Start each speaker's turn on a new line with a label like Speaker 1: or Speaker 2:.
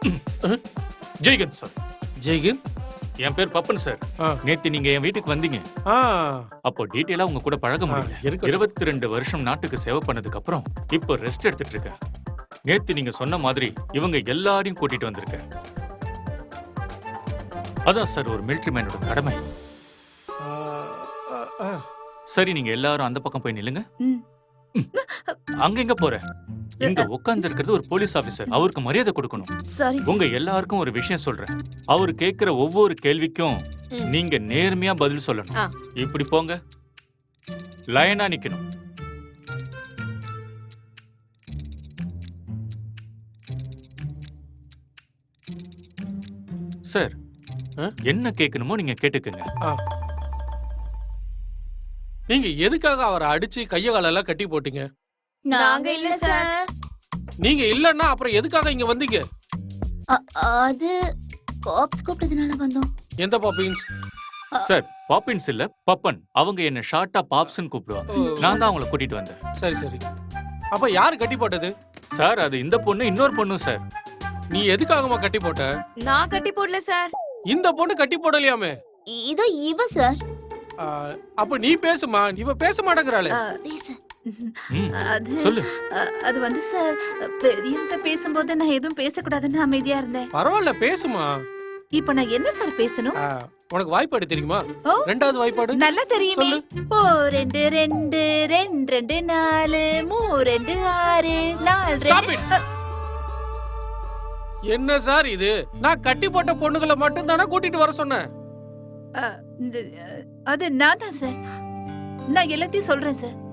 Speaker 1: ஜெய்கந்த் sir.
Speaker 2: ஜெய்கந்த்?
Speaker 1: என் பேர் Pappan sir. நேத்து நீங்க என் வீட்டுக்கு வந்தீங்க. அப்போ டீட்டெயிலா உங்க கூட பழக முடியல. 22 வருஷம் நாட்டுக்கு சேவை பண்ணதுக்கு அப்புறம் இப்போ ரெஸ்ட் எடுத்துட்டு இருக்கேன். நேத்து நீங்க சொன்ன மாதிரி இவங்க எல்லாரையும் கூட்டிட்டு வந்திருக்கேன். அதான் சார் ஒரு மிலிட்டரி மேனோட கடமை. சரி, நீங்க எல்லாரும் அந்த பக்கம் போய் நில்லுங்க. அங்க எங்க போற? இங்க உட்கார்ந்து இருக்கிறது ஒரு போலீஸ் ஆபீசர். அவருக்கு மரியாதை கொடுக்கணும். உங்க எல்லாருக்கும் ஒரு விஷயம் சொல்றேன். அவர் கேட்கிற ஒவ்வொரு கேள்விக்கும் நீங்க நேர்மையா பதில் சொல்லணும். இப்படி போங்க, லைனா நிக்கணும். சார், என்ன கேட்கணுமோ நீங்க கேட்டுக்கங்க.
Speaker 2: நீங்க எதுக்காக அவரை அடிச்சு கைய காலெல்லாம் கட்டி போட்டீங்க?
Speaker 3: நாங்க இல்ல சார்.
Speaker 2: நீங்க இல்லன்னா அப்புறம் எதுக்காக இங்க வந்தீங்க?
Speaker 3: அது பாப்ஸ் கூப்பிட்டதுனால வந்தோம்.
Speaker 2: எந்த பாப்பின்ஸ்?
Speaker 1: சார், பாப்பின்ஸ் இல்ல, பப்பன். அவங்க என்ன ஷார்ட்டா பாப்ஸ்னு கூப்பிடுவாங்க. நான் தான் அவங்கள கூட்டிட்டு வந்தேன்.
Speaker 2: சரி சரி. அப்ப யாரு கட்டி போட்டது?
Speaker 1: சார், அது இந்த பொண்ணு இன்னொரு பொண்ணு சார்.
Speaker 2: நீ எதுக்காகமா கட்டி போட்ட?
Speaker 3: நான் கட்டி போடல சார்.
Speaker 2: இந்த பொண்ணு கட்டி போடலையாமே.
Speaker 3: இதோ இவ சார்.
Speaker 2: அப்ப நீ பேசுமா. இவ பேச மாட்டேங்கறாளே.
Speaker 1: சொல்லு.
Speaker 3: அது வந்து சார், பெரியவங்க பேசும்போது நான் எதுவும் பேசக்கூடாதுன்னு அமைதியா இருந்தேன்.
Speaker 2: பரவாயில்ல, பேசுமா.
Speaker 3: இப்ப நான் என்ன சார் பேசணும்?
Speaker 2: உனக்கு வாய்ப்பாடு தெரியுமா? ரெண்டாவது வாய்ப்பாடு
Speaker 3: நல்லா தெரியுமே. ஓ 2 2 2 2 4 3 2 6 4 2.
Speaker 2: என்ன சார் இது? நான் கட்டி போட்ட பொண்ணுகளை மட்டும் தானே கூட்டிட்டு வர சொன்னேன்.
Speaker 3: அது நான் தான் சார். நான் எல்லாத்தையும் சொல்றேன் சார்.